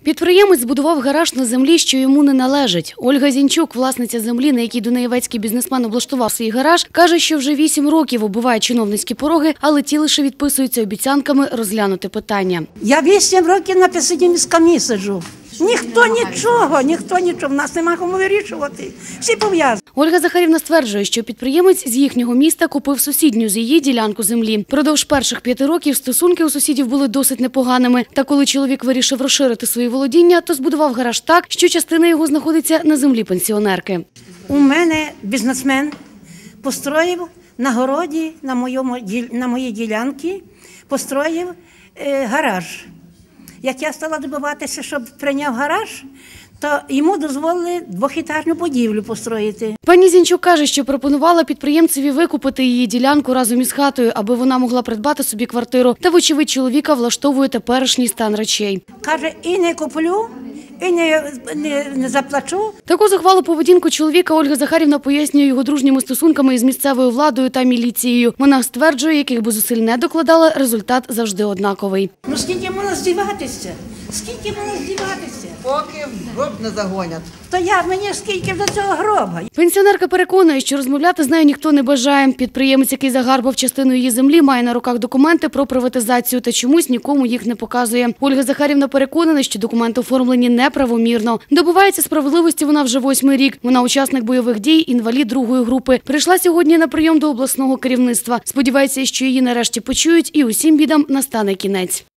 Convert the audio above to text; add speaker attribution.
Speaker 1: Підприємець збудував гараж на землі, що йому не належить. Ольга Зінчук, власниця землі, на якій дунаєвецький бізнесмен облаштував свій гараж, каже, що вже 8 років оббиває чиновницькі пороги, але ті лише відписуються обіцянками розглянути питання.
Speaker 2: Я 8 років на письмі сиджу. Ніхто нічого, в нас нема кому вирішувати. Всі пов'язані.
Speaker 1: Ольга Захарівна стверджує, що підприємець з їхнього міста купив сусідню з її ділянку землі. Продовж перших 5 років стосунки у сусідів були досить непоганими. Та коли чоловік вирішив розширити свої володіння, то збудував гараж так, що частина його знаходиться на землі пенсіонерки.
Speaker 2: У мене бізнесмен построїв на городі, на моїй ділянці, построїв гараж. Як я стала добиватися, щоб прийняв гараж, то йому дозволили двохетажну будівлю построїти.
Speaker 1: Пані Зінчук каже, що пропонувала підприємцеві викупити її ділянку разом із хатою, аби вона могла придбати собі квартиру. Та, вочевидь, чоловіка влаштовує теперішній стан речей.
Speaker 2: Каже, і не куплю, і не заплачу.
Speaker 1: Таку зухвалу поведінку чоловіка Ольга Захарівна пояснює його дружніми стосунками із місцевою владою та міліцією. Вона стверджує, яких би зусиль не докладала, результат завжди однаковий.
Speaker 2: Ну скільки можна здіватися?
Speaker 3: Поки в гроб не загонять.
Speaker 2: То мені скільки до цього гроба?
Speaker 1: Пенсіонерка переконує, що розмовляти з нею ніхто не бажає. Підприємець, який загарбав частину її землі, має на руках документи про приватизацію та чомусь нікому їх не показує. Ольга Захарівна переконана, що документи оформлені неправомірно. Добувається справедливості вона вже 8-й рік. Вона учасник бойових дій, інвалід 2-ї групи. Прийшла сьогодні на прийом до обласного керівництва. Сподівається, що її нарешті почують і усім бідам настане кінець.